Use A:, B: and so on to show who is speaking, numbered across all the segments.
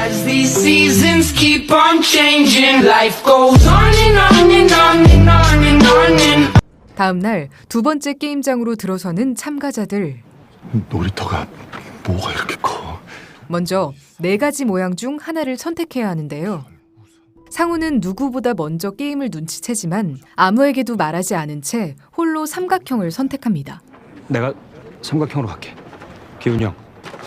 A: As these seasons keep on changing, life goes on and on and on and on and on and.
B: 다음 날 두 번째 게임장으로 들어서는 참가자들.
C: 놀이터가 뭐가 이렇게 커?
B: 먼저 4가지 모양 중 하나를 선택해야 하는데요. 상우는 누구보다 먼저 게임을 눈치채지만 아무에게도 말하지 않은 채 홀로 삼각형을 선택합니다.
D: 내가 삼각형으로 갈게. 기훈이 형.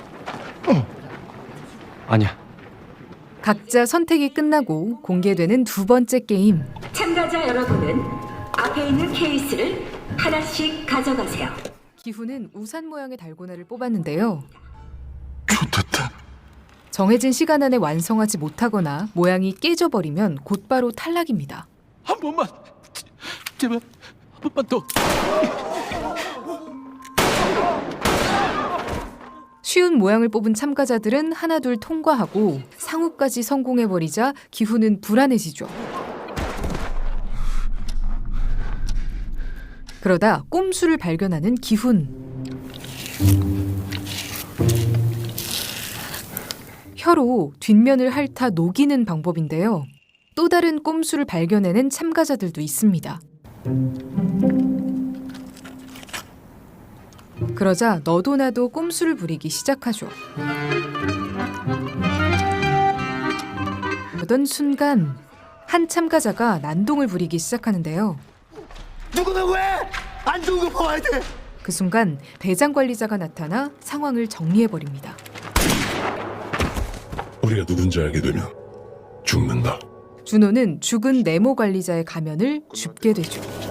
D: 아니야.
B: 각자 선택이 끝나고 공개되는 두 번째 게임.
E: 참가자 여러분은 앞에 있는 케이스를 하나씩 가져가세요.
B: 기훈은 우산 모양의 달고나를 뽑았는데요.
C: 좋됐다.
B: 정해진 시간 안에 완성하지 못하거나 모양이 깨져버리면 곧바로 탈락입니다.
D: 한 번만. 제발 한 번만 더.
B: 쉬운 모양을 뽑은 참가자들은 하나둘 통과하고 상우까지 성공해버리자 기훈은 불안해지죠. 그러다 꼼수를 발견하는 기훈. 혀로 뒷면을 핥아 녹이는 방법인데요. 또 다른 꼼수를 발견해낸 참가자들도 있습니다. 그러자 너도 나도 꼼수를 부리기 시작하죠. 그러던 순간 한 참가자가 난동을 부리기 시작하는데요.
C: 누구는 왜? 안 좋은 거 봐야 돼.
B: 그 순간 대장 관리자가 나타나 상황을 정리해버립니다.
F: 우리가 누군지 알게 되면 죽는다.
B: 준호는 죽은 네모 관리자의 가면을 줍게 되죠.